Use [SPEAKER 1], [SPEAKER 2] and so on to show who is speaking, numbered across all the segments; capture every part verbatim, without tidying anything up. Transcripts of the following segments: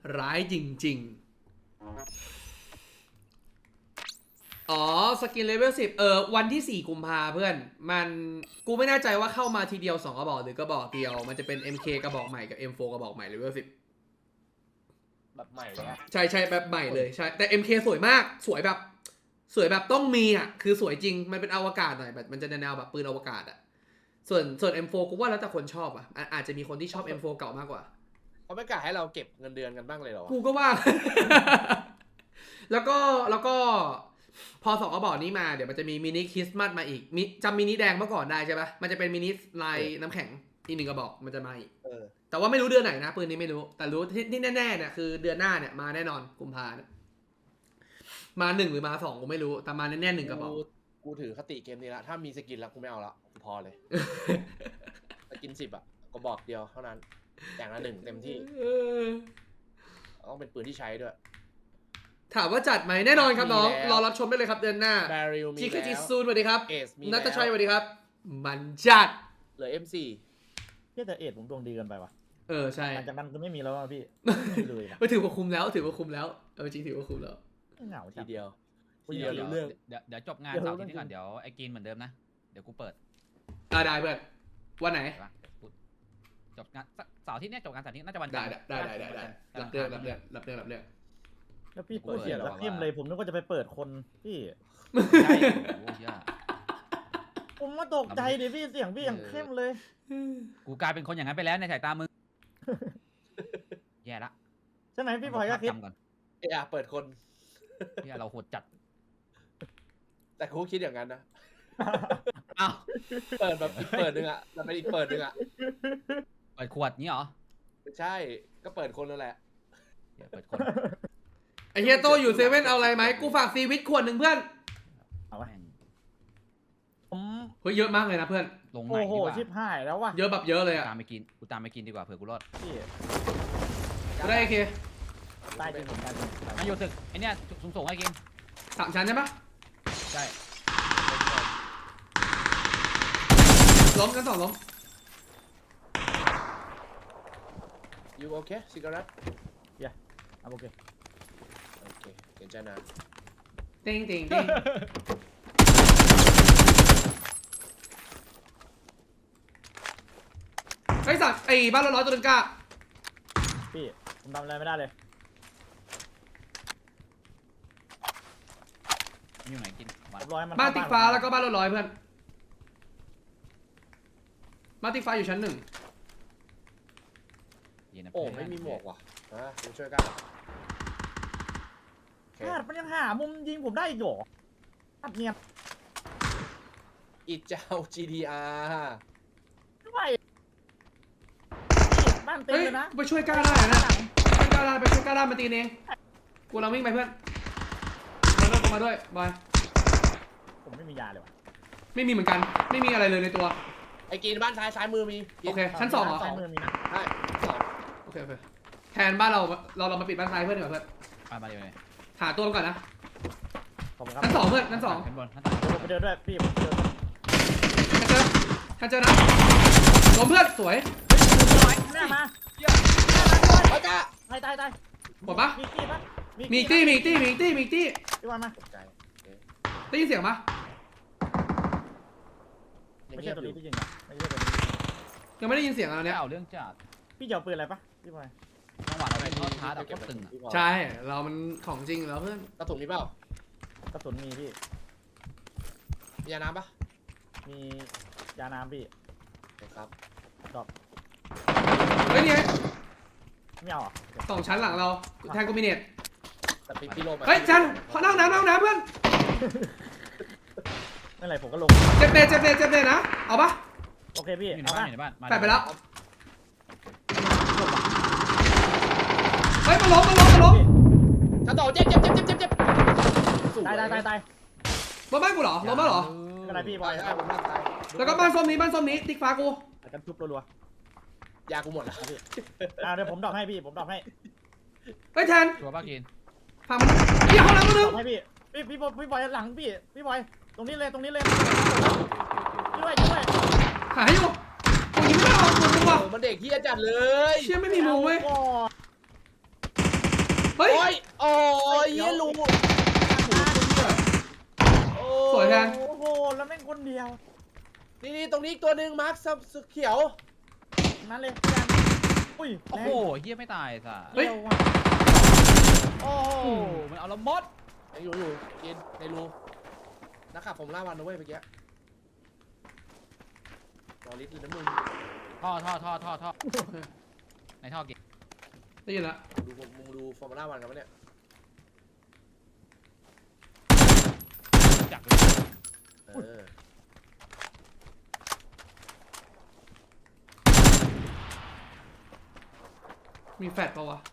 [SPEAKER 1] ร้ายจริงๆอ๋อสกินเลเวลสิบเออวันที่สี่กุมภาเพื่อนมันกูไม่แน่ใจว่าเข้ามาทีเดียวสองกระบอกหรือกระบอกเดียวมันจะเป็น เอ็ม เค กระบอกใหม่กับ เอ็ม โฟร์ กระบอกใหม่เลเวลสิบ
[SPEAKER 2] แบบใหม่เลยอะ
[SPEAKER 1] ใช่ใช่แบบใหม่เลยใช่แต่ เอ็ม เค สวยมากสวยแบบสวยแบบต้องมีอ่ะคือสวยจริงมันเป็นอวกาศหน่อยแบบมันจะแนวแบบปืนอวกาศอ่ะส่วนส่วน เอ็ม โฟร์ กูว่าแล้วแต่คนชอบอ่ะอาจจะมีคนที่ชอบ เอ็ม โฟร์ เก่ามากกว่า
[SPEAKER 2] เขาไม่กล้าให้เราเก็บเงินเดือนกันบ้างเลยเหรอ
[SPEAKER 1] กูก็ว่า แล้วก็แล้วก็พอสองกระบอกนี้มาเดี๋ยวมันจะมีมินิคริสต์มาสมาอีกมิจำมินิแดงเมื่อก่อนได้ใช่ปะมันจะเป็นมินิลายน้ำแข็งอีกหนึ่งกระบอกมันจะมาอีกแต่ว่าไม่รู้เดือนไหนนะปืนนี้ไม่รู้แต่รู้ที่ที่แน่ๆเนี่ยคือเดือนหน้าเนี่ยมาแน่นอนกุมภาเนี่ยมาหนึ่งหรือมาสองกูไม่รู้แต่มาแน่ๆหนึ่งกระบอก
[SPEAKER 2] กูถือคติเกมนี้ละถ้ามีสกินแล้วกูไม่เอาละกูพอเลยสกินสิบอะก็บอกเดียวเท่านั้นอย่างละหนึ่งเต็มที่ต้องเป็นปืนที่ใช้ด้วย
[SPEAKER 1] ถามว่าจัดไหมแน่นอนครับน้องรอรับชมได้เลยครับเดือนหน้าจิคจิซูนสวัสดีครับนัทชัยสวัสดีครับมันจัด
[SPEAKER 2] เหลือ เอ็ม โฟร์
[SPEAKER 3] เฮ้ยแต่เอ็ดผมดวงดีเกินไปว่ะ
[SPEAKER 1] เออใช่
[SPEAKER 3] หลังจากนั้นก็ไม่มีแล้วพี่ไม่เลย
[SPEAKER 1] ไม่ถือว่าคุ้มแล้วถือว่าคุ้มแล้วเออจริงถือว่าคุ้มแล้ว
[SPEAKER 3] เหงา
[SPEAKER 2] ทีเดียว
[SPEAKER 4] ทีเดียวเรื่องเดี๋ยวเดี๋ยวจบงานเสาร์ที่นี้ก่อนเดี๋ยวไอ้กินเหมือนเดิมนะเดี๋ยวกูเปิด
[SPEAKER 1] อ่าได้เพื่อนวันไหน
[SPEAKER 4] จบงานเสาร์ที่นี้จบงานเสาร์ที่น่าจะวัน
[SPEAKER 1] ได้ได้ได้ได้ได้รับเรื่องรับเรื่องรับเรื่องรับเรื่อง
[SPEAKER 3] แล้วพี่พูดเสียงแล้วเข้มเลยผมนึกว่าจะไปเปิดคนพี่
[SPEAKER 4] ใช่โอ้ย
[SPEAKER 3] ผมมาตกใจดิพี่เสียงพี่อย่างเข้มเลย
[SPEAKER 4] กูกลายเป็นคนอย่างนั้นไปแล้วในสายตามึงแย่ละ
[SPEAKER 3] ใช่ไหมพี่พลอยก็คิด
[SPEAKER 2] ก่อนเออเปิดคน
[SPEAKER 4] เนี่ยเราโหดจัด
[SPEAKER 2] แต่กูคิดอย่างนั้นนะ
[SPEAKER 4] อ้าว
[SPEAKER 2] เปิดแบบอีกเปิดนึงอ่ะแล้วเป็นอีกเปิดนึงอ่ะ
[SPEAKER 4] เปิดขวดนี้เหรอ
[SPEAKER 2] ใช่ก็เปิดคนนั่นแหละ
[SPEAKER 4] เปิดคน
[SPEAKER 1] ไอเฮียโตอยู่เซเว่นเอาอะไรไหมกูฝากซีวิตขวดหนึ่งเพื่อน
[SPEAKER 3] เอาไว้ผม
[SPEAKER 1] เฮ้ยเยอะมากเลยนะเพื่อน
[SPEAKER 4] ลงใหม่ดีกว่า
[SPEAKER 3] ชิบหายแล้วว่ะ
[SPEAKER 1] เยอะแบบเยอะเลยอะ
[SPEAKER 4] ตามไปกินกูตามไปกินดีกว่าเผื่อกูรอด
[SPEAKER 1] ได้โอเค
[SPEAKER 3] ใต้จริงผมใต้จริง
[SPEAKER 4] มาอยู่ตึกไอเนี้ยสูงสูงไอ้กิน
[SPEAKER 1] สามชั้นใช่ปะ
[SPEAKER 4] ใช่
[SPEAKER 1] ล้มกันสองล้ม
[SPEAKER 2] ยูโอเคซิกาเรต
[SPEAKER 3] เย้โอเค
[SPEAKER 2] โอเคเก่งจังนะ
[SPEAKER 1] ติงติงติงไอ้สัตว์ไอ้บ้านร้อยตัวนึงกะ
[SPEAKER 3] พี่ผมทำอะไรไม่ได้เลย
[SPEAKER 4] อยู่ไหนกิน
[SPEAKER 1] บ้านติ๊กฟ้าแล้วก็บ้านร้อยเพื่อนบ้านติ๊กฟ้าอยู่ชั้นหนึ่ง
[SPEAKER 2] โอ้ไม่มีหมวกว่ะนะช่วยกัน
[SPEAKER 3] พลาดมันยังหามุมยิงผมได้อีกหรออัดเนียบ
[SPEAKER 2] อีเจ้า จี ดี อาร์
[SPEAKER 3] ไม่บ้านเต็มเลยนะ
[SPEAKER 1] ไปช่วยก้าได้นะช่วยก้าได้ไปช่วยก้าได้มาตีเองกูเราวิ่งไปเพื่อนมาด้วยมาด้วยบอย
[SPEAKER 3] ผมไม่มียาเลยว่ะ
[SPEAKER 1] ไม่มีเหมือนกันไม่มีอะไรเลยในตัว
[SPEAKER 2] ไอ้กินบ้านซ้ายซ้ายมือมี
[SPEAKER 1] โอเคชั้นสองเหรอ
[SPEAKER 3] ซ้ายมือมีนะ
[SPEAKER 2] ใช่สอง
[SPEAKER 1] โอเคโอเคแทนบ้านเราเราเรามาปิดบ้านซ้ายเพื่อนดีกว่าเพื่อน
[SPEAKER 4] มาเดี๋ยวเลย
[SPEAKER 1] หาตัวก่อนนะ
[SPEAKER 3] ชั้
[SPEAKER 1] นสองเพื่อนชั้นสอง
[SPEAKER 4] ชั้นบนชั้น
[SPEAKER 3] ผมไปเดินด้วยพี่ผมเดิน
[SPEAKER 1] ชั้นเจอชั้นเจอนะล้มเพื่อนสวย
[SPEAKER 3] หน้ามา
[SPEAKER 2] ไปจ้า
[SPEAKER 3] ตายตายตาย
[SPEAKER 1] หมดปะ
[SPEAKER 3] มีตี้ปะ
[SPEAKER 1] มีตี้มีตี้มีตี้มีตี้
[SPEAKER 3] พี่วันมา
[SPEAKER 1] ได้ยินเสียงปะ
[SPEAKER 3] ไม่ใช่ตัวนี้ที่ยิงอ่ะไม่ใช่ตัวนี้
[SPEAKER 1] ยังไม่ได้ยินเสียงอะไรเนี่ย
[SPEAKER 4] เอาเรื่องจัด
[SPEAKER 3] พี่จะเอาปืนอะไรปะพี่บอย
[SPEAKER 4] จังหวะอะไรทอดท้าดับก็ตึงอ่ะ
[SPEAKER 1] ใช่เรามันของจริงแล้วเพื่อน
[SPEAKER 2] กระสุนมีเปล่าก
[SPEAKER 3] ระสุนมีพี่
[SPEAKER 2] มียาน้ำปะ
[SPEAKER 3] มียาน้ำพี่
[SPEAKER 2] ครับ
[SPEAKER 3] ดอก
[SPEAKER 1] เฮ้ยนี่ไง
[SPEAKER 3] ไม่เอาอ่ะ
[SPEAKER 1] สองชั้นหลังเราแทงกูมิเนต
[SPEAKER 2] แต่พี่โลมา
[SPEAKER 1] เฮ้ยชั้นขอนั่งน้ำนั่งน้ำเพื่อน
[SPEAKER 3] ไม่ไรผมก็ลง
[SPEAKER 1] เจ็บเด็ดเจ็บเด็ดเจ็บเด็ดนะเอาปะ
[SPEAKER 3] โอเคพี่
[SPEAKER 4] อยู่ในบ้านอยู่ในบ้าน
[SPEAKER 1] แปะไปแล้วเฮ้ยมาล้มมาล้มมาล้ม
[SPEAKER 2] ชั้นต่อเจ็บเจ็บเจ็บเจ็บเจ็บเจ็บ
[SPEAKER 3] ตายตายตายตาย
[SPEAKER 1] บ้านบ้านกูเหรอล้มบ้านเหรอ
[SPEAKER 3] อะไรพี่บอย
[SPEAKER 2] ใช่ผมบ้านตาย
[SPEAKER 1] แล้วก็บ้านส้มนี้บ้านส้มนี้ติ๊กฟ้ากู
[SPEAKER 3] กันทุบรัว
[SPEAKER 2] ๆยากูหมดแล้ว
[SPEAKER 3] พี่อ่าเดี๋ยวผมดอกให้พี่ผมดอกให้
[SPEAKER 1] ไปแทน
[SPEAKER 4] ตัวบ้ากิน
[SPEAKER 1] ฟังมันพี่เขาหลังมาดึง
[SPEAKER 3] ให้พี่พี่พี่บอยพี่บอยหลังพี่พี่บอยตรงนี้เลยตรงนี้เลยช่วยช่วย
[SPEAKER 1] หายอยู่กูยิงไม่ได้หรอกกูว่ะ
[SPEAKER 2] มันเด็กเฮียจัดเลย
[SPEAKER 1] เชี่ยไม่มีมุมเว้ยเฮ้ย
[SPEAKER 2] โอ้ยโอ้ยเหี้ยรูโอ้
[SPEAKER 1] สวยแทน
[SPEAKER 3] โอ้โหแล้วแม่งคนเดียว
[SPEAKER 2] นี่นี่ตรงนี้อีกตัวหนึ่งมาร์คสเขียว
[SPEAKER 3] นั่นเลยพี่อันอุ้ย
[SPEAKER 4] โอ้
[SPEAKER 3] แรง
[SPEAKER 4] โหเฮียไม่ตายสัส
[SPEAKER 1] เฮ้ย
[SPEAKER 3] เร็วว่ะโอ้โห
[SPEAKER 4] โอ้โหมันเอาละมด
[SPEAKER 2] ยังอยู่อยู่กินในรูนักขับผมล่าวันนะเว้ยเมื่อกี้รอลิฟต์เลยนะมึง
[SPEAKER 4] ท่อท่อท่อท่อท่อในท่อเก่ง
[SPEAKER 1] ได้ยินละ
[SPEAKER 2] ดูมึงดูฟอร์มูล่าวันกันปะเนี่ย
[SPEAKER 4] จัก
[SPEAKER 2] เออ
[SPEAKER 1] มีแฟดปะวะ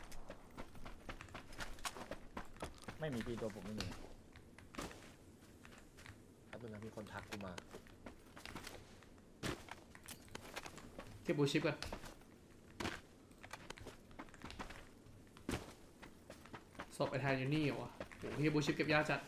[SPEAKER 3] ไม่มีพี่ตัวผมไม่มี
[SPEAKER 2] แป๊บนึงนะมีคนทักกูมา
[SPEAKER 1] เก็บบูชิปก่อนศพไอ้แทนอยู่นี่เหรอวะโอ้โหเฮียบูชิปเก็บยากจัด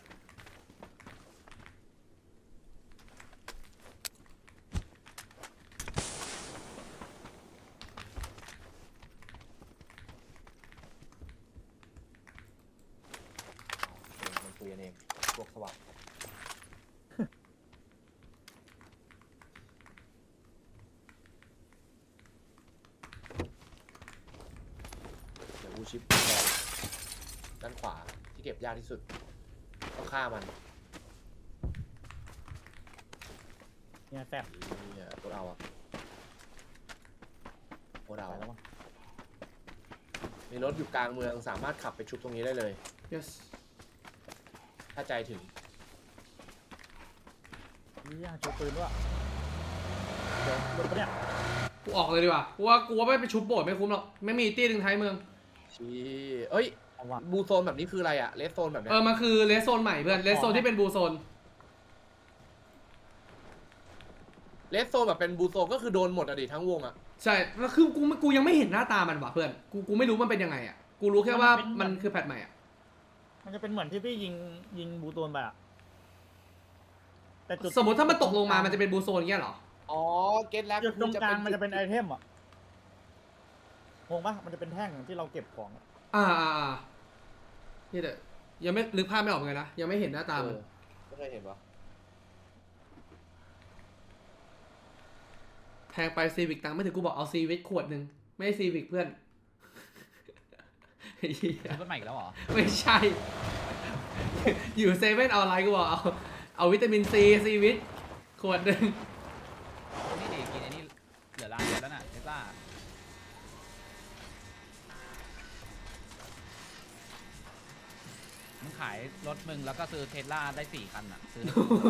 [SPEAKER 2] มันคุยกันเองพวกสวัสดิ์เดี๋ยวอูชิปด้านขวาที่เก็บยากที่สุดต้องฆ่ามัน
[SPEAKER 3] เนี่ยแซ่บ
[SPEAKER 2] เนี่ยโคตรเอาอะโคตรเอา
[SPEAKER 3] ไปแล้วมั้ง
[SPEAKER 2] มีรถอยู่กลางเมืองสามารถขับไปชุบตรงนี้ได้เลย
[SPEAKER 1] yes
[SPEAKER 2] ถ้าใจถึง
[SPEAKER 3] นี่ยังโชว์ปืนด้วยเดี๋ยวรถปะเนี่ย
[SPEAKER 1] กูออกเลยดีกว่ากูว่ากูว่าไม่ไปชุบโบดไม่คุ้มหรอกไม่มีตี้ดึงท้ายเมือง
[SPEAKER 2] ชี้เอ้ย
[SPEAKER 3] เอาว่ะ
[SPEAKER 2] บูโซนแบบนี้คืออะไรอะเลสโซนแบบเนี้
[SPEAKER 1] เอย อมันคือเลสโซนใหม่เพื่อนเลสโซนที่เป็นบูโซน
[SPEAKER 2] เลสโซนแบบเป็นบูโซนก็คือโดนหมดอะดิทั้งวงอะ
[SPEAKER 1] ใช่แล้วคือกูกูยังไม่เห็นหน้าตามันว่ะเพื่อนกูกูไม่รู้มันเป็นยังไงอ่ะกูรู้แค่ว่ามันคือแพทใหม่อ่ะ
[SPEAKER 3] มันจะเป็นเหมือนที่พี่ยิงยิงบูโตนไปอะแต่จุด
[SPEAKER 1] สมมติถ้ามันตกลงมามันจะเป็นบูโซนอย่างเงี้ยเหรอ
[SPEAKER 2] อ๋อเก็ตแล้ว
[SPEAKER 3] จุดตรงกลางมัน
[SPEAKER 2] จุด
[SPEAKER 3] จะเป็นไอเทมอ่ะงงปะมันจะเป็นแท่งที่เราเก็บของอะ
[SPEAKER 1] อ่าอ่าอ่านี่แต่ยังไม่นึกภาพไม่ออกเหมือนกันนะยังไม่เห็นหน้าตามัน
[SPEAKER 2] เออไม่เคยเห็นปะ
[SPEAKER 1] แพงไปซีวิกตังค์ไม่ถึงกูบอกเอาซีวิกขวดหนึ่งไม่ใช่ซีวิกเพื่อน เหี้ย
[SPEAKER 4] ซื้อรถใหม่อีกแล้วเหรอ
[SPEAKER 1] ไม่ใช่ อยู่เซเว่นเอาอะไรกูบอกเอาเอาวิตามินซีซีวิตขวดหนึ่ง
[SPEAKER 4] นี่ดิกินไอ้นี่เหลือร้านเดียวแล้วน่ะเทสลามึงขายรถมึงแล้วก็ซื้อเทสลาได้สี่คันอ่ะซื้อได้สี่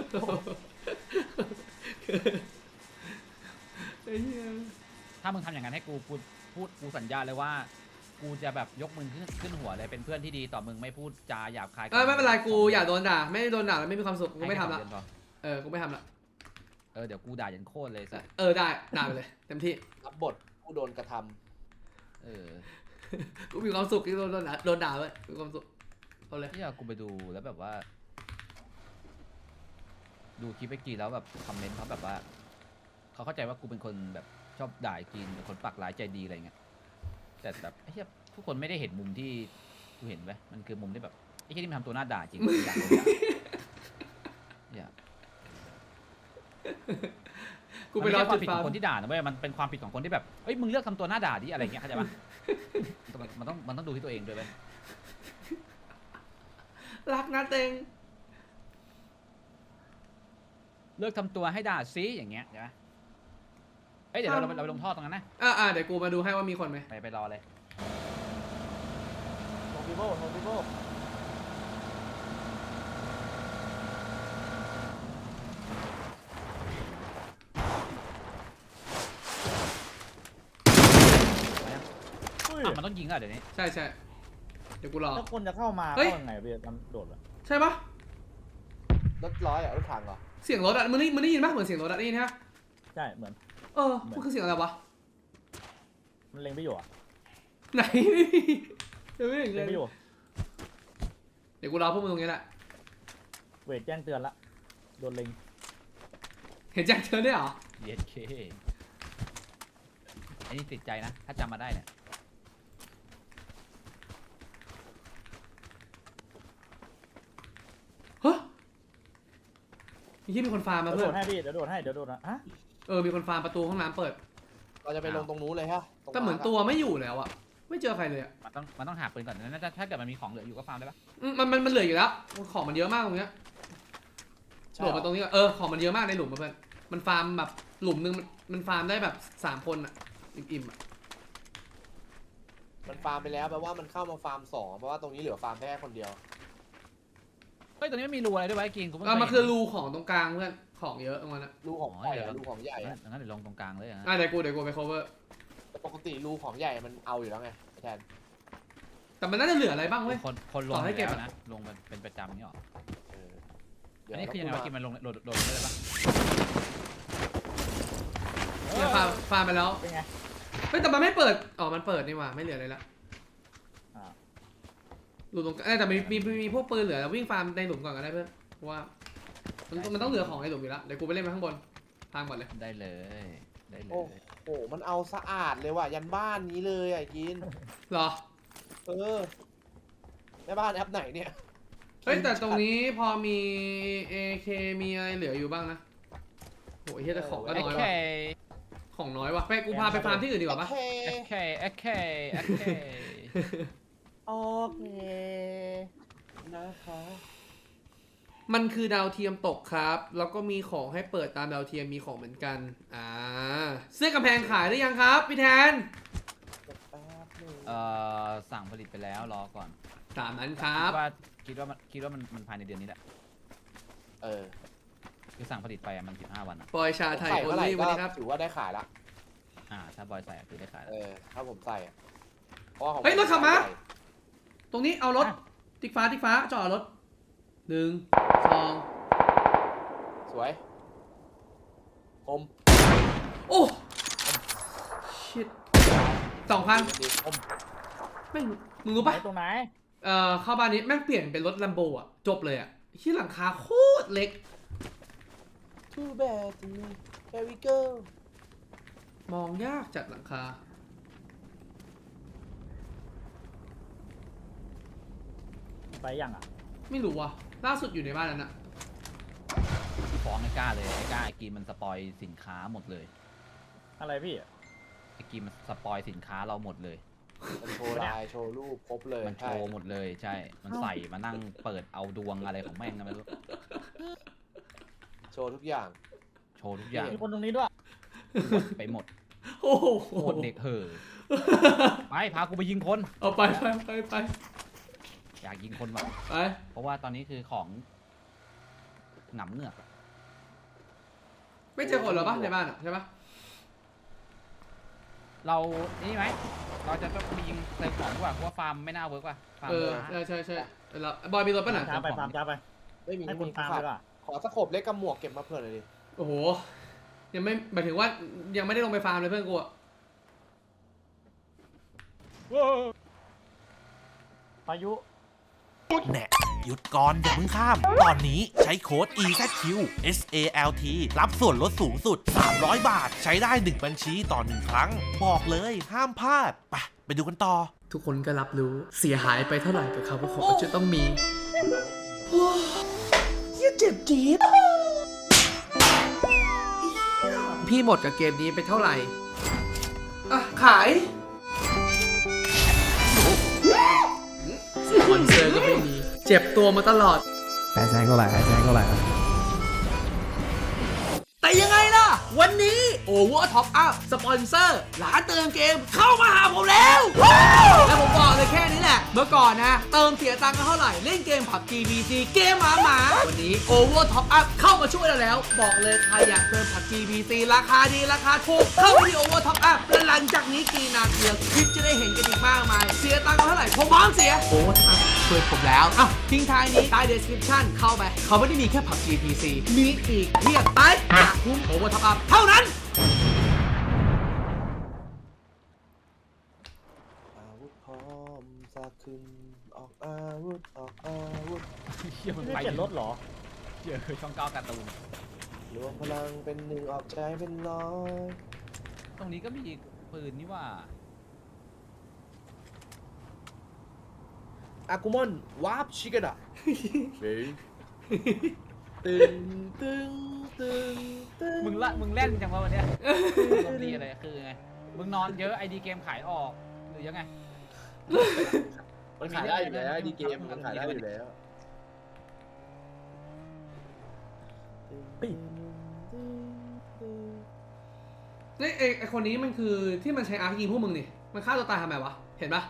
[SPEAKER 4] คัน
[SPEAKER 1] ไอ้เหี้ย
[SPEAKER 4] ถ้ามึงทำอย่างนั้นให้กูกูพูดกูสัญญาเลยว่า กูจะแบบยกมึงขึ้นขึ้นหัวเลยเป็นเพื่อนที่ดีต่อมึงไม่พูดจาหยาบคาย
[SPEAKER 1] เออไม่เป็นไรกูอยากโดนด่าไม่โดนด่าแล้วไม่มีความสุขกูไม่ทำละ
[SPEAKER 4] ให้แค่สองเดือนพอ
[SPEAKER 1] เออกูไม่ทำละ
[SPEAKER 4] เออเดี๋ยวกูด่ายันโคตรเลยสัส
[SPEAKER 1] เออได้ด่าไปเลยเต็มที่
[SPEAKER 2] รับบทผู้โดนกระทำ
[SPEAKER 4] เออ
[SPEAKER 1] กูมีความสุขที่โดนโดนด่าโดนด่าเว้ยมีความสุขเอาเลย
[SPEAKER 4] ที่กูไปดูแล้วแบบว่า ดูคลิปไอ้กีแล้วแบบคอมเมนต์เขาแบบว่าเขาเข้าใจว่ากูเป็นคนแบบชอบด่าไอ้กีนเป็นคนปากร้ายใจดีอะไรเงี้ยแต่แบบไอ้เหี้ยทุกคนไม่ได้เห็นมุมที่กูเห็นไว้ยมันคือมุมที่แบบไอ้เหี้ยที่มันทำตัวหน้าด่าจริงกูอยากรู้อยาก
[SPEAKER 1] กูไปรอ
[SPEAKER 4] มันม่ใช่ควา
[SPEAKER 1] จุ
[SPEAKER 4] ม
[SPEAKER 1] ด
[SPEAKER 4] ผิด
[SPEAKER 1] ฟา
[SPEAKER 4] ข
[SPEAKER 1] ร์
[SPEAKER 4] อง
[SPEAKER 1] ม
[SPEAKER 4] คนที่ด่านะเว้ยมันเป็นความผิดของคนที่แบบเอ้ยมึงเลือกทำตัวหน้าด่าดิอะไรเงี้ยเข้าใจปะมันต้องมันต้องดูที่ตัวเองด้วยเว้ย
[SPEAKER 1] รักนะเต็ง
[SPEAKER 4] เลือกทำตัวให้ด่าซิอย่างเงี้ยใช่ไหมเอ้ยเดี๋ยวเราเราไปเราไปลงท่อตรงนั้นนะ
[SPEAKER 1] อ่าอ่าเดี๋ยวกูมาดูให้ว่ามีคนไหม
[SPEAKER 4] ไปไปรอเลย
[SPEAKER 3] โนบิโบโนบิโบ อุ้ย
[SPEAKER 4] อ่ะมันต้องยิงอ่ะเดี๋ยวนี้
[SPEAKER 1] ใช่ใช่เดี๋ยวกูรอ
[SPEAKER 3] ถ้าคนจะเข้ามา
[SPEAKER 1] เฮ้ย
[SPEAKER 3] เข้ายังไงพี่ทำโดดเหรอ
[SPEAKER 1] ใช่ปะ
[SPEAKER 2] รถร้อยอะรถถังเหรอ
[SPEAKER 1] เสียงรถอ่ะมึงได้มึงได้ยินปะเหมือนเสียงรถอ่ะได้ยินฮะ
[SPEAKER 3] ใช่เหมือน
[SPEAKER 1] เออมันคือเสียงอะไรวะ
[SPEAKER 3] มันเล็งไม่อยู่อ่ะ
[SPEAKER 1] ไหนเดี๋ยวไม่เห็นเล
[SPEAKER 3] เล็ง
[SPEAKER 1] ย
[SPEAKER 3] ไม่อยู่
[SPEAKER 1] เดี๋ยวกูรอพวกมึงตรงนี้แหละ
[SPEAKER 3] เวทแจ้งเตือนละโดนเล็ง
[SPEAKER 1] เห็นแจ็คเธอได้วยเหรอ
[SPEAKER 4] เย็ดเคไอ้นี่ติดใจนะ ถ้าจำมาได้เนี่ย
[SPEAKER 1] ที่มีคนฟาร์มมา
[SPEAKER 3] เดี๋ยว
[SPEAKER 1] เพื่อน
[SPEAKER 3] โดดให้พี่เดี๋ยวโดดให้เดี๋ยวโดดนะฮะ
[SPEAKER 1] เออมีคนฟาร์มประตูห้องน้ำเปิด
[SPEAKER 2] เราจะไปลงตรงนู้นเลยฮะรง
[SPEAKER 1] แต่เหมือน
[SPEAKER 2] มาร์คะ
[SPEAKER 1] ตัวไม่อยู่แล้วอะไม่เจอใครเลยอะ
[SPEAKER 4] มันต้องมันต้องหาปืนก่อนนะถ้าถ้าเกิดมันมีของเหลืออยู่ก็ฟาร์มได้ปะ
[SPEAKER 1] อืมมันมันมันเหลืออยู่แล้วของมันเยอะมากตรงเนี้ย
[SPEAKER 2] ใช่
[SPEAKER 1] โดดมาตรงนี้ก่อนเออของมันเยอะมากในหลุมอะเพื่อนมันฟาร์มแบบหลุมนึงมันมันฟาร์มได้แบบสามคนอะอิ่มๆอะ
[SPEAKER 2] มันฟาร์มไปแล้วแปลว่ามันเข้ามาฟาร์มสองเพราะว่าตรงนี้เหลือฟาร์มแค่คนเดียว
[SPEAKER 4] เฮ้ยตรงนี้ไม่มีรูอะไรด้วยวะไอ้กินกูเพิ่ง
[SPEAKER 1] เออ
[SPEAKER 4] เคย
[SPEAKER 1] มันคือรูของตรงกลางเพื่อนของเยอะตรงนั้นอะ
[SPEAKER 2] รูของใหญ่อะรูของใหญ่
[SPEAKER 4] เห็น
[SPEAKER 2] อะ
[SPEAKER 4] งั้นเดี๋ยวลงตรงกลางเลยอะ
[SPEAKER 1] อ่ะเดี๋ยวกูเดี๋ยวกูไป cover
[SPEAKER 2] แต่ปกติรูของใหญ่มันเอาอยู่แล้วไงแทน
[SPEAKER 1] แต่มันน่าจะเหลืออะไรบ้างเว้ย
[SPEAKER 4] คนคนล
[SPEAKER 1] ต่
[SPEAKER 4] ง
[SPEAKER 1] อให้เก็บ
[SPEAKER 4] แล้ว
[SPEAKER 1] อะ
[SPEAKER 4] นะลงเป็นเป็นประจำนี่หรอ
[SPEAKER 2] เออ
[SPEAKER 4] อันนี้คือยังไงวะกินมันลงโดดโดดได้เลยปะ
[SPEAKER 1] เนี่ยฟาร์มฟาร์มไปแล้ว
[SPEAKER 3] เป็นไง
[SPEAKER 1] เฮ้ยแต่มันไม่เปิดอ๋อมันเปิดนี่หว่าไม่เหลืออะไรละ
[SPEAKER 3] อ่า
[SPEAKER 1] หลุมตรงเอ้ยแต่มีมีมีมีพวกปืนเหลือแล้ววิ่งฟาร์มในหลุมก่อนก็ได้เพื่อนเพราะว่ามันมันต้องเหลือของในหลุมอยู่แล้วเดี๋ยวกูไปเล่นไปข้างบนฟาร์มก่อนเลย
[SPEAKER 4] ได้เลยได้เล
[SPEAKER 2] โอ้
[SPEAKER 4] ย
[SPEAKER 2] โหมันเอาสะอาดเลยว่ะยันบ้านนี้เลยอ่ะกิน
[SPEAKER 1] เหรอ
[SPEAKER 2] เออแม่บ้านแอปไหนเนี่ย
[SPEAKER 1] เฮ้ยแต่ตรงนี้พอมี เอ เค มีอะไรเหลืออยู่บ้างนะโอ้ยเฮียแต่ของก็
[SPEAKER 4] โอ
[SPEAKER 1] น้อย
[SPEAKER 4] เค
[SPEAKER 1] ว่ะของน้อยว่ะไปกูพาไปฟาร์มที่อื่นดีกว่าปะ
[SPEAKER 2] โอเค
[SPEAKER 4] โอเคโอเคโอเค
[SPEAKER 3] โอเค
[SPEAKER 2] นะคะ
[SPEAKER 1] มันคือดาวเทียมตกครับ แล้วก็มีของให้เปิดตามดาวเทียมมีของเหมือนกันอ่าเสื้อกำแพงขายได้ยังครับพี่แทน
[SPEAKER 2] แป๊บหนึง
[SPEAKER 4] เอ่อสั่งผลิตไปแล้วรอก่อน
[SPEAKER 1] ตามนั้นครับ
[SPEAKER 4] คิดว่าคิดว่ามันคิดว่ามันมันภายในเดือนนี้แหละ
[SPEAKER 2] เออ
[SPEAKER 4] คือสั่งผลิตไปอะมันสิบห้าวันอะ
[SPEAKER 1] ปอยชาไทย
[SPEAKER 2] ใส่
[SPEAKER 1] โอ
[SPEAKER 2] เมื่อไหร่
[SPEAKER 1] ลี่
[SPEAKER 2] ก็
[SPEAKER 1] วันนี้ครับ
[SPEAKER 2] ถือว่าได้ขายละ
[SPEAKER 4] อ่าถ้าบอยใส่อะคือได้ขาย
[SPEAKER 2] เอ
[SPEAKER 4] แล้ว
[SPEAKER 2] อถ้าผมใส่อะเพราะว่าของ
[SPEAKER 1] เฮ้ยรถขับมา
[SPEAKER 2] ใหญ่
[SPEAKER 1] ตรงนี้เอารถติ๊กฟ้าติ๊กฟ้าจอดรถหนึ่งสอง
[SPEAKER 2] สวยคม
[SPEAKER 1] โอ้ชิตสองพัน
[SPEAKER 2] ดีคม
[SPEAKER 1] แม่งมึงรู้ปะ
[SPEAKER 3] ไหนตรงไหน
[SPEAKER 1] เอ่อเข้าบ้านนี้แม่งเปลี่ยนเป็นรถลัมโบอ่ะจบเลยอ่ะที่หลังคาโคตรเล็ก
[SPEAKER 2] Too bad to me Here we go
[SPEAKER 1] มองยากจัดหลังคา
[SPEAKER 3] ไปยังอ่ะ
[SPEAKER 1] ไม่รู้ว่ะล่าสุดอยู่ในบ้านนั้นอ่ะ
[SPEAKER 4] ฟ้องไอ้ก้าเลยไอ้ก้าไอ้กีมันสปอยสินค้าหมดเลย
[SPEAKER 3] อะไรพี่
[SPEAKER 4] ไอ้กีมันสปอยสินค้าเราหมดเลย
[SPEAKER 2] มันโชว์ลายโชว์รูปครบเลย
[SPEAKER 4] มันโช
[SPEAKER 2] ใช่
[SPEAKER 4] ว์หมดเลยใช่ มันใส่มานั่งเปิดเอาดวงอะไรของแม่งก็ไม่รู้
[SPEAKER 2] โชว์ทุกอย่าง
[SPEAKER 4] โชว์ทุกอย่าง
[SPEAKER 3] มีคนตรงนี้ด้วย
[SPEAKER 4] หมดไปหมด
[SPEAKER 1] โอ้โห
[SPEAKER 4] โคตรเด็กเห่อไปพากูไปยิงคน
[SPEAKER 1] เอาไปไปไปไป
[SPEAKER 4] อยากยิงคนว่ะ
[SPEAKER 1] ไป
[SPEAKER 4] เพราะว่าตอนนี้คือของหนำเหงือก
[SPEAKER 1] ไม่เจอคนเหรอปะในบ้านอ่ะใช่ปะ
[SPEAKER 4] เรานี่ไหมเราจะต้องไปยิงเติมของดีกว่าเพราะว่าฟาร์มไม่น่าเวิร์กว่ะฟาร์ม
[SPEAKER 1] เออ
[SPEAKER 4] ช้า
[SPEAKER 1] ใช่ใช่ใช่แล้วบอยมีรถปะน่ะ
[SPEAKER 3] ช้าไปฟาร์มช้าไป
[SPEAKER 2] ไม่มี
[SPEAKER 3] ให้
[SPEAKER 2] ไม่
[SPEAKER 3] คน
[SPEAKER 2] มี
[SPEAKER 3] ฟาร์ม
[SPEAKER 2] ขา
[SPEAKER 3] ดี
[SPEAKER 2] ด
[SPEAKER 3] กว่า
[SPEAKER 2] ขอสะโขบเล็กกับหมวกเก็บมาเผื่อหน่อยดิ
[SPEAKER 1] โอ้โหยังไม่หมายถึงว่ายังไม่ได้ลงไปฟาร์มเลยเพื่อนกูอะ
[SPEAKER 3] พายุ
[SPEAKER 5] แน่หยุดก่อนอย่าเพิ่งข้าม ตอนนี้ใช้โค้ด อี แซด คิว เอส เอ แอล ที รับส่วนลดสูงสุด สามร้อยบาท ใช้ได้หนึ่งบัญชีต่อหนึ่งครั้ง บอกเลยห้ามพลาด ไป ไปดูกันต่อ
[SPEAKER 1] ทุกคนก็รับรู้เสียหายไปเท่าไหร่กับคำว่าของจะต้องมีเจ็บจี๊ดพี่หมดกับเกมนี้ไปเท่าไหร่อ่ะขายสปอนเซอร์ก็ไม่มีเจ็บตัวมาตลอด
[SPEAKER 6] แปดแสนก็ไหลแปดแสนก็ไหล
[SPEAKER 1] แต่ยังไงล่ะ วันนี้ Over Top Up สปอนเซอร์ร้านเติมเกมเข้ามาหาผมแล้วและผมบอกเลยแค่นี้แหละ เมื่อก่อนนะ เติมเสียตังค์กันเท่าไหร่ เล่นเกม พับจี บี ซี เกมหมาหมาวันนี้ Over Top Up เข้ามาช่วยเราแล้ว บอกเลยใครอยากเติม พับจี บี ซี ราคาดีราคาถูกเข้าไปที่ Over Top Up และหลังจากนี้กี่นาทีคลิปจะได้เห็นกันอีกมากมาย เสียตังค์กันเท่าไหร่ผมพร้อมเสีย Over Top Up ช่วยผมแล้วอ่ะทิ้งท้ายนี้ใต้ description เข้าไปเขาไม่ได้มีแค่ พับจี บี ซี มีอีกเพียบไปอยากคุ้ม Over Top Up เท่านั้น
[SPEAKER 2] อาวุธพร้อมสักขึ้นออกอาวุธออกอาวุธ
[SPEAKER 4] เชี่ยมัน
[SPEAKER 3] ไม่
[SPEAKER 4] ไป
[SPEAKER 3] เปลี่ยนรถเหรอ
[SPEAKER 4] เชี่ยช่องเก้าการ์ตูน
[SPEAKER 2] รวมพลังเป็นหนึ่งออกใจเป็นร้อย
[SPEAKER 4] ตรงนี้ก็มีปืนนี่ว่า
[SPEAKER 2] อากุมอนวาร์ปชิกะดะเฮ้ยตึงตึงตึงตึง
[SPEAKER 4] มึงละมึงเล่นจังวะวันเนี้ยลมดีอะไรคือไงมึงนอนเยอะไอดีเกมขายออกหรือยังไง
[SPEAKER 2] มันขายได้อยู่แล้วดีเกมมันขายได้อยู่แล้ว
[SPEAKER 1] นี่ไอไอคนนี้มันคือที่มันใช้อาร์คยิงพวกมึงนี่มันฆ่าตัวตายทำไมวะเห็นปะ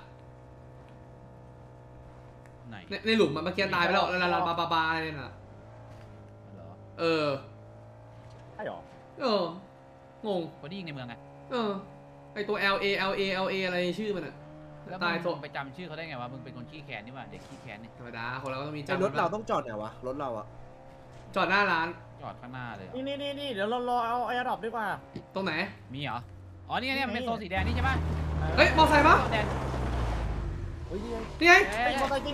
[SPEAKER 4] ไหน
[SPEAKER 1] ในในหลุมมันเมื่อกี้ตายไปแล้วแล้วแล้วบาบาบาอะไรเนี่ยน่ะ
[SPEAKER 4] เหรอ
[SPEAKER 1] เออ
[SPEAKER 3] ใช่หรอ
[SPEAKER 1] เอองง
[SPEAKER 4] คนที่ยิงในเมืองไง
[SPEAKER 1] เออไอตัว L A L A L A อะไรชื่อมันอะ
[SPEAKER 4] แล้ว
[SPEAKER 1] ตาย
[SPEAKER 4] มึ
[SPEAKER 1] โซ
[SPEAKER 4] งไปจำชื่อเขาได้ไงวะมึงเป็นคนขี้แค้นนี่หว่าเด็กขี้แค้นนี่
[SPEAKER 1] ธรรมดาคนเราก็ต้องมี
[SPEAKER 2] แต่
[SPEAKER 1] จำ
[SPEAKER 2] รถเราต้องจอดไหนวะรถเราอะ
[SPEAKER 1] จอดหน้าร้าน
[SPEAKER 4] จอดข้างหน้าเลยเหรอ
[SPEAKER 3] นี่นี่นี่นี่เดี๋ยวเรารอเอาแอร์ดรอปดีกว่า
[SPEAKER 1] ตรงไหน
[SPEAKER 4] มีเหรออ๋อนี่ไงเนี่ยมันเป็นโซนสีแดงนี่ใช่ปะ
[SPEAKER 1] เฮ้ยมอไซค์ปะ
[SPEAKER 4] โซนแดง
[SPEAKER 2] เฮ้ยนี่ไง
[SPEAKER 1] นี่ไง
[SPEAKER 4] เอ้
[SPEAKER 3] ไอ้
[SPEAKER 4] ย
[SPEAKER 3] มอเตอร์จริง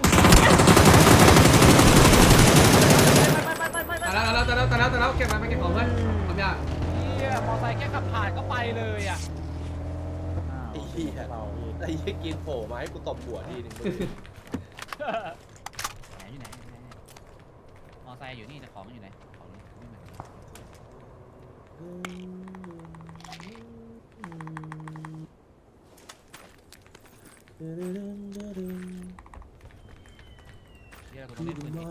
[SPEAKER 3] ไปไปไปไปไป
[SPEAKER 1] ตายแล้วตายแล้วตายแล้วตายแล้วเก็บมาไปเก็บของเพื่อนทำยาก
[SPEAKER 4] เฮียมอไซค์แค่ขับผ่านก็ไปเลยอ่ะ
[SPEAKER 2] ไอ้เหี้ย
[SPEAKER 3] เราพี่
[SPEAKER 2] ไอ้เหี้ยกินโผล่มาให้กูตบหัวทีนึงมึง
[SPEAKER 4] ไหนอยู่ไหนอยู่ไหนมอไซค์อยู่นี่แต่ของอยู่ไหนของนี่ไม่เหมือนกันเฮียกูต้องเล่นปืนนี้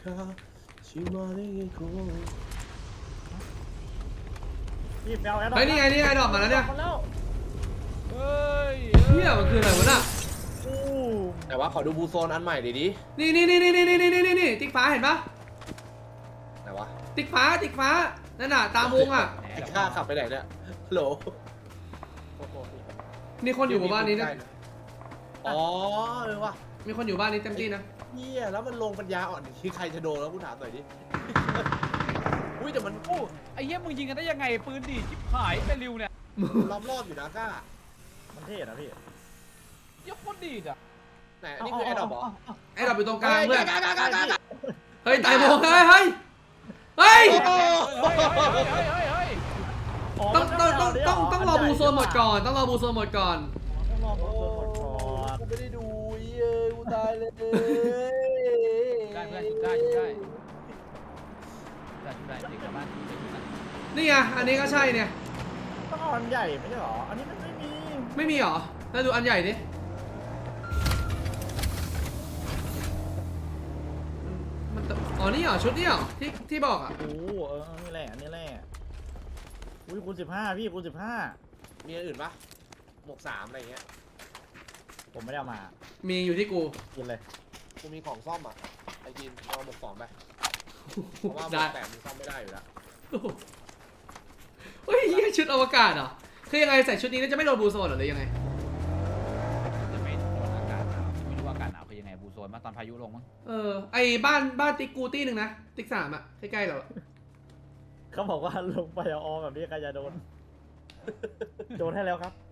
[SPEAKER 3] พี่ไปเอาแอร์ดรอป
[SPEAKER 1] เฮ้ยนี่ไงนี่ไงดอกมาแล้วเนี่ย
[SPEAKER 3] มาแล้ว
[SPEAKER 4] เฮ้ย
[SPEAKER 1] เฮียมันคืออะไรวะน่ะ
[SPEAKER 3] อู้
[SPEAKER 2] แต่ว่าขอดูบูโซนอันใหม่ดิดิ
[SPEAKER 1] นี่นี่นี่นี่นี่นี่นี่นี่นี่ติ๊กฟ้าเห็นปะ
[SPEAKER 2] ไหนวะ
[SPEAKER 1] ติ๊กฟ้าติ๊กฟ้านั่นน่ะตามวงอ่ะ
[SPEAKER 4] แหม
[SPEAKER 2] ไอ้ข้าขับไปไหนเนี่ยฮัลโหล
[SPEAKER 1] มีคนอยู่หมู่บ้านนี้นะ
[SPEAKER 2] อ๋อเออวะ
[SPEAKER 1] มีคนอยู่บ้านนี้เต็มที่นะ
[SPEAKER 2] เหี้ยแล้วมันลงปัญญาอ่อนที่ใครจะโดนแล้วกูถามหน่อยดิ อุ้ยแต่มัน
[SPEAKER 4] โอ้ไอ้เหี้ยมึงยิงกันได้ยังไงปืนดีดชิบหายไปริวเนี่ย
[SPEAKER 2] ล้อมรอบอยู่นะก้า
[SPEAKER 3] มันเท่นะพี่
[SPEAKER 4] ยกโคตรดีดอ่ะ
[SPEAKER 2] ไหนอันนี้คือแอร์ดรอปเหรอ
[SPEAKER 1] ไอ้ดอกอยู่ตรงกลางเพื่อน
[SPEAKER 2] ก้าก้าก้าก้าก้า
[SPEAKER 1] เฮ้ยตายโมงเฮ้ยเฮ้ยเฮ้ย
[SPEAKER 2] โอ้
[SPEAKER 4] เฮ้ยเฮ้ยเฮ้ยเฮ้ยเฮ้ย
[SPEAKER 1] ต้องต้องต้องต้องต้องรอบูโซนหมดก่อนต้องรอบูโซนหมดก่อน
[SPEAKER 3] ต้องรอบูโซนหมดก่อน
[SPEAKER 2] กูไม่ได้ดูเย้ยกูตายเลย
[SPEAKER 4] ได้เพื่อนชุดได้ชุดได้ได้ชุดได้เด็กกลับบ้านชุดได้ชุดได้
[SPEAKER 1] นี่ไงอันนี้ก็ใช่เนี่ย
[SPEAKER 3] ต้องเอาอันใหญ่ไม่ใช่หรอ อันนี้มันไม่มี
[SPEAKER 1] ไม่มีเหรอแล้วดูอันใหญ่ดิมันตอ๋อนี่เหรอชุดนี่เหรอที่ที่บอกอ่ะ
[SPEAKER 3] โอ้โหเออนี่แหละนี่แหละอุ้ยคูณสิบห้าพี่คูณสิบห้า
[SPEAKER 2] มีอันอื่นปะหมวกสามอะไรเงี้ย
[SPEAKER 3] ผมไม่ได้เอามา
[SPEAKER 1] มีอยู่ที่กู
[SPEAKER 3] กินเลย
[SPEAKER 2] กูมีของซ่อมอ่ะไอ้กินเอาหมวกสองไปเพราะว่าหม
[SPEAKER 1] ได้
[SPEAKER 2] วกแปดมึงซ่อมไม่ได้อยู่แล้ว
[SPEAKER 1] เฮ้ยเหี้ยชุดอวกาศเหรอคือยังไงใส่ชุดนี้แล้วจะไม่โดนบูโซนเหรอหรือยังไง
[SPEAKER 4] จะไม่โดนอากาศหนาวไม่รู้ว่าอากาศหนาวคือยังไงบูโซนมาตอนพายุลงมั้ง
[SPEAKER 1] เออไอ้บ้านบ้านติ๊กกูตี้หนึ่งนะติ๊กสามอ่ะใกล้ๆเราอะ
[SPEAKER 3] เขาบอกว่าลงไปเอาออแบบนี้ใครจะโดน โดนให้แล้วครับ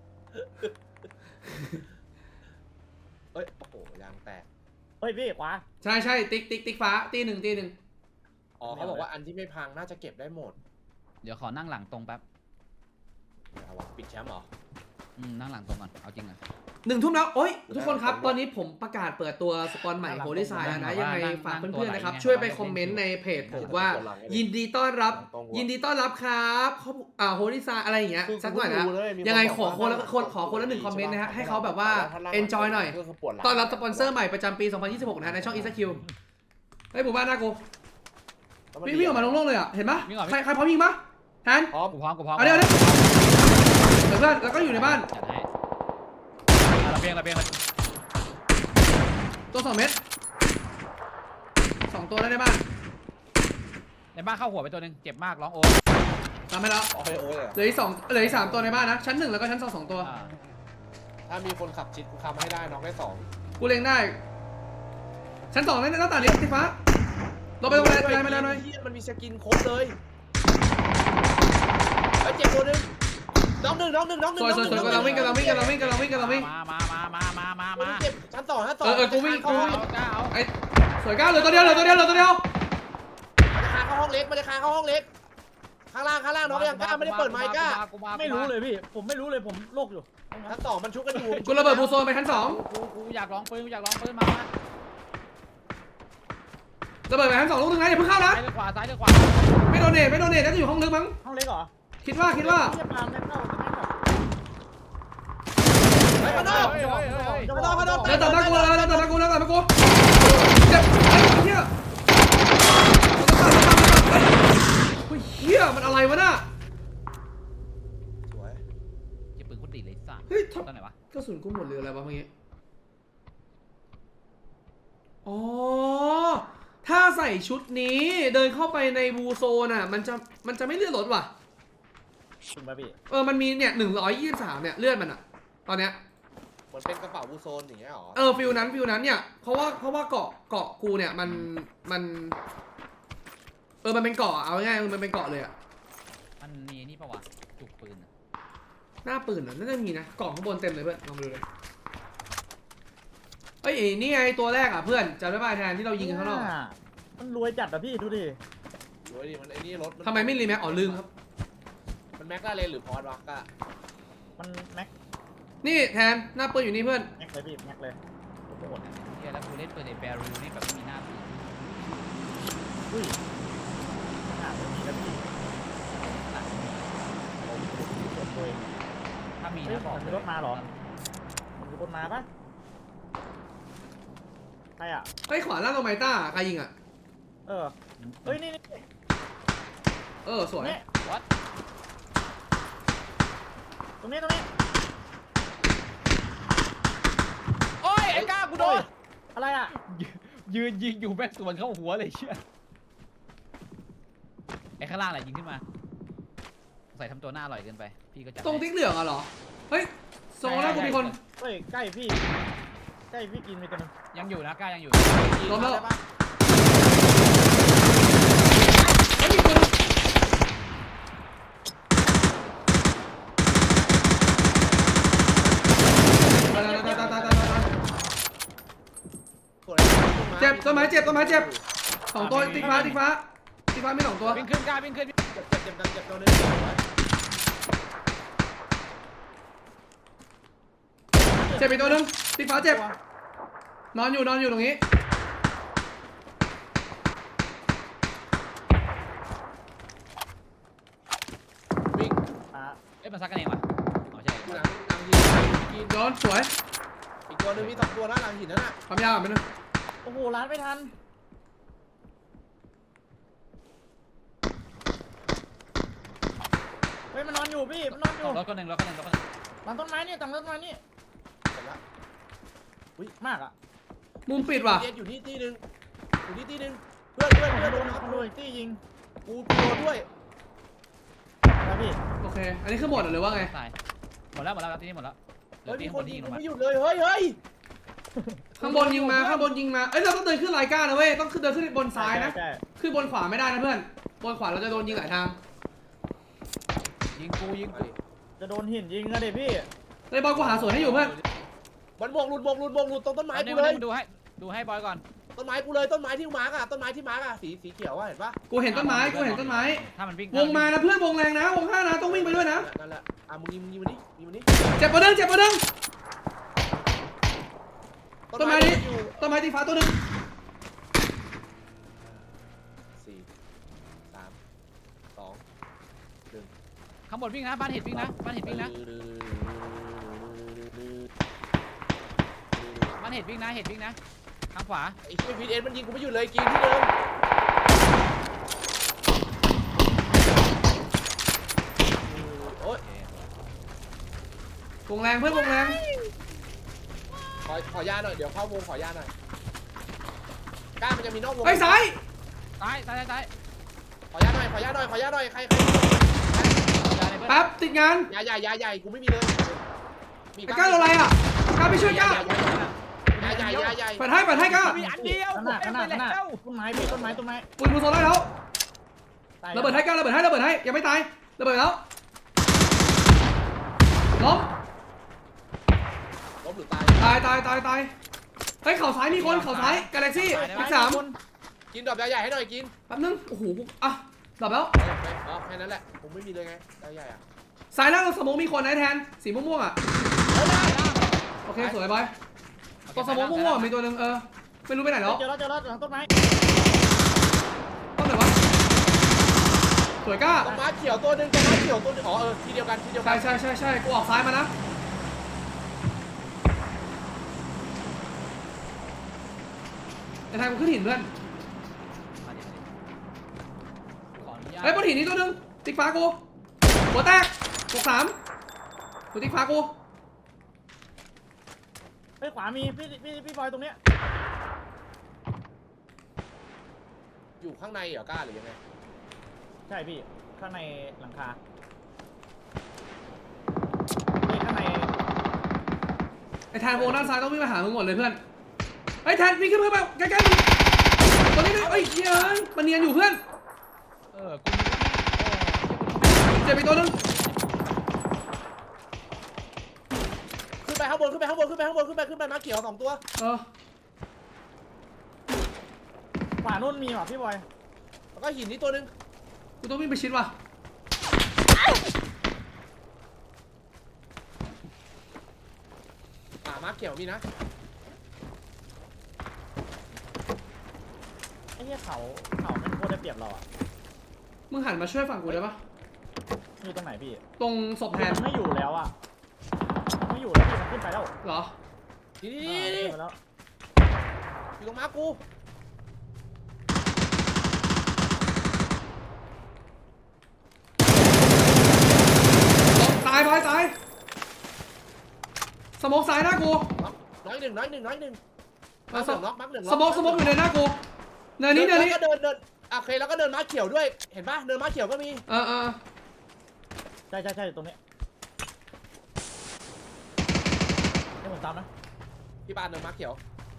[SPEAKER 2] เอ้ยโอ้โหยางแตก
[SPEAKER 3] เฮ้ยพี่ขวา
[SPEAKER 1] ใช่ใช่ติ๊กติ๊กติ๊กฟ้าตีหนึ่งตีหนึ่ง
[SPEAKER 2] อ๋อเขาบอกว่าอันที่ไม่พังน่าจะเก็บได้หมด
[SPEAKER 4] เดี๋ยวขอนั่งหลังตรงแป๊บ
[SPEAKER 2] เอาวะปิดแชมป์เหรอ
[SPEAKER 4] อืมนั่งหลังตรงก่อนเอาจริงอ่ะ
[SPEAKER 1] หนึ่งทุ่มแล้วโอ้ยทุกคนครับ ตอนนี้ผมประกาศเปิดตัวสปอนใหม่โฮลิซายแล้วนะ ยังไงฝากเพื่อนๆนะครับ ช่วยไปคอมเมนต์ในเพจผมว่า ยินดีต้อนรับ ยินดีต้อนรับครับเขาอ่าโฮลิซายอะไรอย่างเงี้ยสักหน่อยนะ ยังไงขอคนละคนขอคนละหนึ่งคอมเมนต์นะฮะให้เขาแบบว่า enjoy หน่อย ต้อนรับสปอนเซอร์ใหม่ประจำปี สองพันยี่สิบหก นะฮะในช่อง อี เอส คิว เฮ้ยหมู่บ้านน่ากูวิ่งวิ่งออกมาโล่งๆเลยอ่ะเห็นปะใครใครพร้อมยิงปะแทน
[SPEAKER 2] พร้อม
[SPEAKER 4] กูพร้อมกูพร้อม
[SPEAKER 1] เอาเดี๋ยวเดี๋ยวเดี๋ยวเพื่อนแล้วก็อยู่ในบ้าน
[SPEAKER 4] จัดให้อ่ะระเบียงระเบียงระเบียง
[SPEAKER 1] ตัวสองเม็ดสองตัวแล้วในบ้าน
[SPEAKER 4] ในบ้านเข้าหัวไปตัวหนึงเจ็บมากร้องโอ๊
[SPEAKER 1] ทำให้แล้ว
[SPEAKER 2] โอเคโอ้ยเลย
[SPEAKER 1] เหลืออีกสองเหลืออีกสามตัวในบ้านนะ ชั้นหนึ่งแล้วก็ชั้นสองสองตัว
[SPEAKER 4] อ่า
[SPEAKER 2] ถ้ามีคนขับชิดกูคำให้ได้น้องได้สอง
[SPEAKER 1] กูเล็งได้ ชั้นสองนั่นหน้าต่างนี้สีฟ้าลงไปลงไปไปไปไปหน่อย
[SPEAKER 2] เหี้ยมันมีสกินครบเลยไอ้เจ็บตัวหนึงน้องหนึ่งน้องหนึ่งน้องหนึ่
[SPEAKER 1] ส
[SPEAKER 2] ง
[SPEAKER 1] วยสวยสวยกำลังวิ่งกำลังวิ่งกำลังวิ่งกำลังวิ่งกำลังวิ่ง
[SPEAKER 4] มามามามามามามา
[SPEAKER 2] เจ็บชั้นสองชั้นสอง
[SPEAKER 1] เออเออกูวิ่งกูวิ่ง
[SPEAKER 4] เอาจ้าเอา
[SPEAKER 1] ไอ้สวยก้าวเหลือตัวเดียวเหลือตัวเดียวเหลือตัวเดียว
[SPEAKER 2] มันจะคานเข้าห้องเล็กมันจะคานเข้าห้องเล็กข้างล่างข้างล่างน้องยังกล้าไม่ได้เปิดไมค์กล้า
[SPEAKER 4] กูา
[SPEAKER 3] ไม่รู้เลยพี่ ผมไม่รู้เลยผมโลกอยู่
[SPEAKER 2] ชั้นสองมันชุกกันอยู่
[SPEAKER 1] กูระเบิดบูโซนไปชั้นสอง
[SPEAKER 4] กูกูอยากร้องปืนกูอยากร้องปืนมามา
[SPEAKER 1] ระเบิดไปทั้งสองลูกนึงนะอย่าเพิ่งเข้านะ
[SPEAKER 4] ซ้ายหรือขวาซ้ายหรือขวา
[SPEAKER 1] ไม่โดนเนทไม่โดนเนทน่าจะอยู่ห้องลึกมั้ง
[SPEAKER 3] ห้องเล็กเหรอ
[SPEAKER 1] คิดว่าคิดว่า
[SPEAKER 3] เทียบตามได้เข้าจะแม่งแบบ
[SPEAKER 2] เฮ้ยมาโน่
[SPEAKER 4] เฮ้ยเฮ้ยเฮ้ย
[SPEAKER 2] มาโน่มาโน่
[SPEAKER 1] เดินตัดหน้ากูเลยเดินตัดหน้ากูเดินตัดหน้ากูเจ็บไอ้เหี้ยเฮ้ยเหี้ยมันอะไรวะน่ะ
[SPEAKER 2] สวย
[SPEAKER 4] เก็บปืนคนดีเลยสัตว์
[SPEAKER 1] เฮ้ยท
[SPEAKER 4] ตอนไหนวะ
[SPEAKER 1] กระสุนกูหมดเลยอะไรวะเมื่อกี้อ๋อถ้าใส่ชุดนี้เดินเข้าไปในบูโซนอ่ะมันจะมันจะไม่เลื่อนรถว่ะ
[SPEAKER 3] คุณบาบี้
[SPEAKER 1] เออมันมีเนี่ยหนึ่งร้อยยี่สิบสามเนี่ยเลื่อนมันอ่ะตอนเนี้ย
[SPEAKER 2] เหมือนเป็นกระเป๋าบูโซนอย่างเงี้ยหรอ
[SPEAKER 1] เออฟิลนั้นฟิลนั้นเนี่ยเพราะว่าเพราะว่าเกาะเกาะกูเนี่ยมันมันเออมันเป็นเกาะเอาง่ายๆมันเป็นเกาะเลยอ่ะ
[SPEAKER 4] มันมีนี่ปะวะจุกปืนอะ
[SPEAKER 1] หน้าปืนอ่ะน่าจะมีนะกล่องข้างบนเต็มเลยเพื่อนลองไปดูเลยเอ้ยนี่ไงตัวแรกอ่ะเพื่อนจำได้ป่ะแทนที่เรายิงกันข้างนอกอะ
[SPEAKER 3] มันรวยจัดอะพี่ดูดิ
[SPEAKER 2] สวยดิมันไอ้นี่รถ
[SPEAKER 1] ทำไมไม่รีแม็กอ๋อลืมครับ
[SPEAKER 2] มันแม็กลาเรนหรือพอร์ตวะก็
[SPEAKER 3] มันแม็ก
[SPEAKER 1] นี่แทนหน้าปืนอยู่นี่เพื่อน
[SPEAKER 3] แม็กเลยพี่แม็กเลยโอ้โห
[SPEAKER 4] เฮียแล้วกูเล่นปืนในแบรูนี่แบบไม่มีหน้าปืน
[SPEAKER 3] อุ้ยหนาไม่มีแล้วพี่
[SPEAKER 4] ตัด
[SPEAKER 3] ผมกดตัวเอง
[SPEAKER 4] ถ้ามี
[SPEAKER 3] เฮ้ย
[SPEAKER 4] นะบอก
[SPEAKER 3] มันมีรถมาเหรอ มันมีคนมาปะใครอะ
[SPEAKER 1] ไอ้ยขวาล่างตรงไมต้าใครยิงอ่ะ
[SPEAKER 3] เออเฮ้ยนี่นี่
[SPEAKER 1] เออสวย
[SPEAKER 3] นี่
[SPEAKER 4] วัด
[SPEAKER 3] ตรงนี้ตรงนี้
[SPEAKER 4] โอ้ยไอ้ก้ากูโดน
[SPEAKER 3] อะไรอะ
[SPEAKER 4] ยืนยิงอยู่แม่งสวนเข้าหัวเลยเชี่ยไอ้ข้างล่างแหละยิงขึ้นมาใส่ทำตัวหน้าอร่อยเกินไปพี่ก็จัด
[SPEAKER 1] ตรงติ๊กเหลืองอ่ะเหรอเฮ้ยโซนแล้วกูมีคน
[SPEAKER 3] เฮ้ยใกล้พี่ใกล้พี่กินมีตัวนึง
[SPEAKER 4] ยังอยู่นะก้ายังอยู่
[SPEAKER 1] ล้มแล้ว
[SPEAKER 2] ได้ปะ
[SPEAKER 1] เฮ้ยมีคนตายตายตายตายตายตายตาย
[SPEAKER 2] สวย
[SPEAKER 1] เจ็บต้นไม้เจ็บต้นไม้เจ็บสองตัวติ๊กฟ้าติ๊กฟ้าติ๊กฟ้าไม่สองตัว
[SPEAKER 4] วิ่งขึ้นก้าวิ่งขึ้น
[SPEAKER 2] เจ็บเจ็บเจ็บเจ็บตัวนึง
[SPEAKER 1] เจ็บอีกตัวหนึงติ๊กฟ้าเจ็บนอนอยู่นอนอยู่ตรงนี้
[SPEAKER 2] วิ่ง
[SPEAKER 3] อ่ะ
[SPEAKER 4] เอ้ยมันซักกันเองวะเอาใช่
[SPEAKER 2] หลังหลังหินกิน
[SPEAKER 1] โดนสวย
[SPEAKER 2] อีกตัวนึงมีสองตัวนะหลังหินนั่นน่ะ
[SPEAKER 1] ความยาวอ่ะเป็นง
[SPEAKER 3] โอ้โหร้านไม่ทันเฮ้ยมันนอนอยู่พี่มันนอนอยู่
[SPEAKER 4] รถคนหนึ่งรถคนหนึ่งรถคนหนึ่ง
[SPEAKER 3] หลังต้นไม้นี่หลังต้นไม้นี่
[SPEAKER 2] เสร็จละ
[SPEAKER 3] มากอ่ะ
[SPEAKER 1] มุมปิดว่ะ
[SPEAKER 2] เย็นอยู่ที่ที่นึงอยู่ที่ที่นึงเพื่อนเพื่อนเพื่อน
[SPEAKER 3] โด
[SPEAKER 2] โด
[SPEAKER 3] น
[SPEAKER 2] น
[SPEAKER 3] คนโดนตี้ยิง
[SPEAKER 2] กูโดนด้วย
[SPEAKER 3] นะพี่
[SPEAKER 1] โอเคอันนี้คือหมดหรือว่าไง
[SPEAKER 4] ตายหมดแล้วหมดแล้วครับที่นี่หมดแล้วเหลื
[SPEAKER 2] เฮ้
[SPEAKER 4] อย
[SPEAKER 2] มี
[SPEAKER 4] ที่
[SPEAKER 2] ค
[SPEAKER 4] คน น
[SPEAKER 2] ยิ
[SPEAKER 4] ที่
[SPEAKER 2] ง
[SPEAKER 4] ยิงลงมา
[SPEAKER 2] กูไม่หยุดเลยเฮ้ยเฮ้ย
[SPEAKER 1] ข้างบนยิงมาข้างบนยิงมาเอ้ยเราต้องเดินขึ้นรายก้านะเว้ยต้องขึ้นเดินขึ้นบนซ้ายนะ
[SPEAKER 3] ใช่
[SPEAKER 1] ขึ้นบนขวาไม่ได้นะเพื่อนบนขวาเราจะโดนยิงหลายทาง
[SPEAKER 4] ยิงกูยิง
[SPEAKER 2] มา
[SPEAKER 4] กู
[SPEAKER 2] ดิ
[SPEAKER 3] จะโดนหินยิงนะเด็พี่
[SPEAKER 1] เลยบอลกูหาสวนให้อยู่เพื่อน
[SPEAKER 2] มันบวกหลุดบวกหลุดบวกหลุดตรงต้นไม้
[SPEAKER 4] อันนี้
[SPEAKER 2] กูเลย
[SPEAKER 4] ดูให้ดูให้บอยก่อน
[SPEAKER 2] ต้นไม้กูเลยต้นไม้ที่มาร์กอะต้นไม้ที่มาร์กอะสีสีเขียวอะเห็นปะ
[SPEAKER 1] กูเห็นต้นไม้กูเห็นต้นไม้
[SPEAKER 4] ถ้ามันวิ่ง
[SPEAKER 1] วงมานะเพื่อนวงแรงนะวงห้านะต้องวิ่งไปด้วยนะ
[SPEAKER 2] นั่นแหละอ่ะมึงยิงมึงยิงมันดิยิงมันดิ
[SPEAKER 1] เจ็บปะดึงเจ็บปะดึง ต้นไม้นี้
[SPEAKER 2] อยู่
[SPEAKER 1] ต้นไม้ตีฟ้าตัวหนึง
[SPEAKER 2] สี่สามสองหนึ่ง
[SPEAKER 4] ข้างบนวิ่งนะบ้านเห็ดวิ่งนะบ้านเห็ดวิ่งนะบ้านเห็ดวิ่งนะเห็ดวิ่งนะทางขวา
[SPEAKER 2] ไอ้ช่วยพีเอ็นมันยิงกูไม่หยุดเลยกินที่เดิม โอ๊ย
[SPEAKER 1] วงแรงเพื่อนวงแรง
[SPEAKER 2] ขอขอยาหน่อยเดี๋ยวเข้าวงขอยาหน่อยกล้ามันจะมีนอกวง
[SPEAKER 1] ไอ้ยซ้าย
[SPEAKER 4] ซ้ายซ้ายซ้าย
[SPEAKER 2] ขอยาหน่อยขอยาหน่อยขอยาหน่อยใครใคร
[SPEAKER 4] ซ้ายเลยเพื่อน
[SPEAKER 1] แป๊บติดงาน
[SPEAKER 2] ยาใหญ่ยาใหญ่กูไม่มีเลยมี
[SPEAKER 1] ไอ้ก้าโดนอะไรอ่ะก้าไปช่วยก้าย
[SPEAKER 2] าใหญ่ยาใหญ่
[SPEAKER 1] เปิดให้เปิดให้ก้า
[SPEAKER 4] มีอันเดียว
[SPEAKER 3] ขนาดขนาดขนาด
[SPEAKER 4] แล้ว
[SPEAKER 3] ต้นไม้พี่ต้นไม้ต้นไม้
[SPEAKER 1] ปืนมือโซนได้แล้ว
[SPEAKER 3] ตาย
[SPEAKER 1] ระเบิดให้ก้าระเบิดให้ระเบิดให้ยังไม่ตายระเบิดแล้วล้ม
[SPEAKER 2] ล้มหรือตาย
[SPEAKER 1] ตายตายตายตายเฮ้ยเข่าซ้ายมีคนเข่าซ้ายกาแล็กซี่ทิกสาม
[SPEAKER 2] กินดอกยาใหญ่ให้หน่อยกิน
[SPEAKER 1] แป๊บนึงโอ้โหกูอ่ะดับแล้ว
[SPEAKER 2] อ๋อแค่นั้นแหละผมไม่มีเลยไงยาใหญ่อะ
[SPEAKER 1] ซ้ายล่างเราสโมองมีคนนะแทนสีม่วงๆอ่ะโอเคสวยบอยตัวสโมองม่วงๆมีตัวหนึงเออไม่รู้ไปไหนแล้ว
[SPEAKER 3] เจอแล้วเจอแล้วหลังต้นไม้
[SPEAKER 1] สวยก้า
[SPEAKER 2] ตรงม้าเขียวตัวหนึ่งตรงม้าเขียวตัวหนึงอ๋อเออทีเดียวกันทีเดียวกั
[SPEAKER 1] ใช่ใช่ใช่ใช่กูออกซ้ายมานะไอ้ทางกูขึ้นหินเพื่อน
[SPEAKER 4] มาดิมาดิขออนุญาต
[SPEAKER 1] เฮ้ยบนหินนี้ตัวหนึงติ๊กฟ้ากูหัวแตกหกสามตัวติ๊กฟ้ากู
[SPEAKER 3] เฮ้ยขวามีพี่พี่พี่บอยตรงเนี้ย
[SPEAKER 2] อยู่ข้างในเหรอกล้าหรือยังไง
[SPEAKER 3] ใช่พี่ข้างในหลังคานี่ข้างใน
[SPEAKER 1] ไอ้แทนวงด้านซ้ายต้องวิ่งมาหามึงหมดเลยเพื่อนไอ้ยแทนวิ่งขึ้นเพื่อนไปใกล้ๆมึงตัวนี้ด้วยเอ้ยเหี้ยมันเนียนอยู่เพื่อน
[SPEAKER 4] เออกูนึกว่า
[SPEAKER 1] เจ็บไปตัวหนึง
[SPEAKER 2] ขึ้นไปข้างบนขึ้นไปข้างบนขึ้นไปข้างบนขึ้นไปขึ้นไปม้าเขียวสองตัว
[SPEAKER 1] เออ
[SPEAKER 3] ขวานู่นมีว่ะพี่บอย
[SPEAKER 2] แล้วก็หินนี่ตัวหนึง
[SPEAKER 1] กูต้องวิ่งไปชิดว่ะ
[SPEAKER 2] อ่าม้าเขียวมีนะ
[SPEAKER 3] ไอ้เหี้ยเขาเขาแม่งโคตรได้เปรียบเราอ่ะ
[SPEAKER 1] มึงหันมาช่วยฝั่งกูได้ปะ
[SPEAKER 3] อยู่ตรงไหนพี่
[SPEAKER 1] ตรงศพแทน
[SPEAKER 3] มันไม่อยู่แล้วอ่ะมันไม่อยู่แล้วพี่มันขึ้นไปแล้ว
[SPEAKER 1] เหรอ
[SPEAKER 2] นี่
[SPEAKER 3] อ่า
[SPEAKER 2] นี่นี่
[SPEAKER 3] ขึ้นไปแล้ว
[SPEAKER 2] อยู่ตรงม้ากู
[SPEAKER 1] ตายไปตายสโมกซ้ายหน้ากู
[SPEAKER 2] น็อกน้อยหนึ่งน้อยหนึ่งน้อยหนึ่ง
[SPEAKER 1] มา
[SPEAKER 2] ม้า
[SPEAKER 1] ส
[SPEAKER 2] เหลืองน็อกม้าเหลืองน็
[SPEAKER 1] สโมกสโมกอยู่ในหน้ากูเนินนี้เนินนี้
[SPEAKER 2] แล้วก็เดินเดินโอเคแล้วก็เดินม้าเขียวด้วยเห็นปะเดินม้าเขียวก็มี
[SPEAKER 1] เออเออ
[SPEAKER 3] ใช่ใช่ใช่ตรงเนี้ยให้ผมตามนะ
[SPEAKER 2] พี่ปานเดินม้าเขียว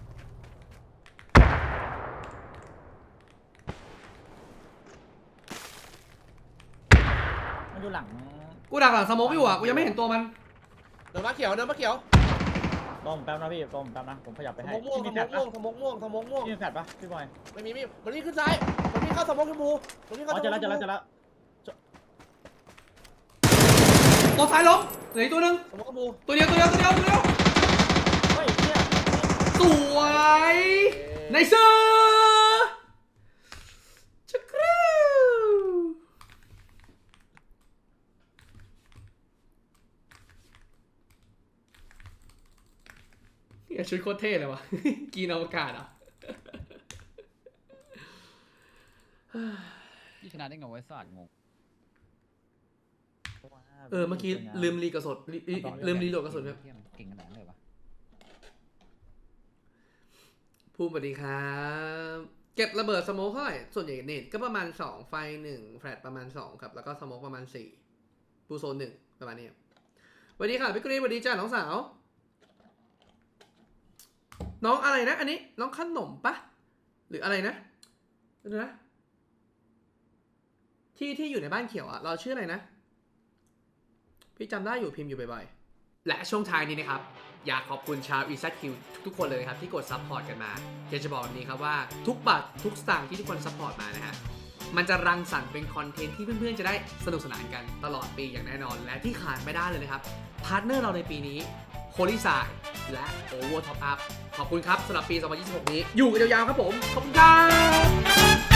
[SPEAKER 3] มันอยู่หลัง
[SPEAKER 1] กูดักหลังสโมกอยู่อ่ะกูยังไม่เห็นตัวมัน
[SPEAKER 2] เดินม้าเขียวเดินม้าเขียว
[SPEAKER 3] รอผมแป๊บนะพี่รอผมแป๊บนะผมขยับไป
[SPEAKER 2] ส
[SPEAKER 3] ให้
[SPEAKER 2] มองม่วง
[SPEAKER 3] พี่
[SPEAKER 2] ส
[SPEAKER 3] มี
[SPEAKER 2] ม
[SPEAKER 3] แฟ
[SPEAKER 2] อ
[SPEAKER 3] ล
[SPEAKER 2] ง
[SPEAKER 3] ช
[SPEAKER 2] ม่ว
[SPEAKER 3] ปะ
[SPEAKER 2] งสมองม่วงสมองม่วง
[SPEAKER 3] พี่มีแฟลชปะพี่บอย
[SPEAKER 2] ไม่มีมีมันนี่ขึ้นซ้ายมันนี่เข้าสมองชมพูมันนี่
[SPEAKER 3] อ๋
[SPEAKER 2] เข้า
[SPEAKER 3] อเจอแล้วเจอแล้วเจอแล้ว
[SPEAKER 1] ตัวซ้ายล้มเหลืออีกตัวหนึง
[SPEAKER 2] สมองชมพู
[SPEAKER 1] ตัวเดียวตัวเดียวตัวเดียวตัวเดียว
[SPEAKER 3] เฮ้ยเนี่ย
[SPEAKER 1] สวยในเซอร์ชักครูเนี่ยชุดโคตรเท่เลยวะ กีนอวกาศอ่ะ
[SPEAKER 4] พี่ชนะได้ไงวะไอ้สัตว์งง
[SPEAKER 1] เออเมื่อกี้ลืมรีกระสุนลิลิลืมรีโหลดกระสุนครับ
[SPEAKER 4] เหี้ยมันเก่งขนาดนั้นเลยวะ
[SPEAKER 1] ภูมิสวัสดีครับเก็บระเบิดสโมกเท่าไหร่ส่วนใหญ่เน็ตก็ประมาณสองไฟหนึ่งแฟลชประมาณสองครับแล้วก็สโมกประมาณสี่ปูโซนหนึ่งประมาณนี้ครับสวัสดีค่ะพี่กรีนสวัสดีจ้าน้องสาวน้องอะไรนะอันนี้น้องขนมปะหรืออะไรนะเดี๋ยวนะที่ที่อยู่ในบ้านเขียวอะเราชื่ออะไรนะพี่จำได้อยู่พิมพ์อยู่บ่อยๆและช่วงท้ายนี้นะครับอยากขอบคุณชาว อี แซด คิว ทุกๆคนเลยครับที่กดซัพพอร์ตกันมาอยากจะบอกแบบนี้ครับว่าทุกบาททุกสตางค์ที่ทุกคนซัพพอร์ตมานะฮะมันจะรังสรรค์เป็นคอนเทนต์ที่เพื่อนๆจะได้สนุกสนานกันตลอดปีอย่างแน่นอนและที่ขาดไม่ได้เลยนะครับพาร์ทเนอร์เราในปีนี้โ o ลิซายและ Over Top Up ขอบคุณครับสำหรับปี สองพันยี่สิบหก นี้อยู่กันยาวๆครับผมขอบคุณครับ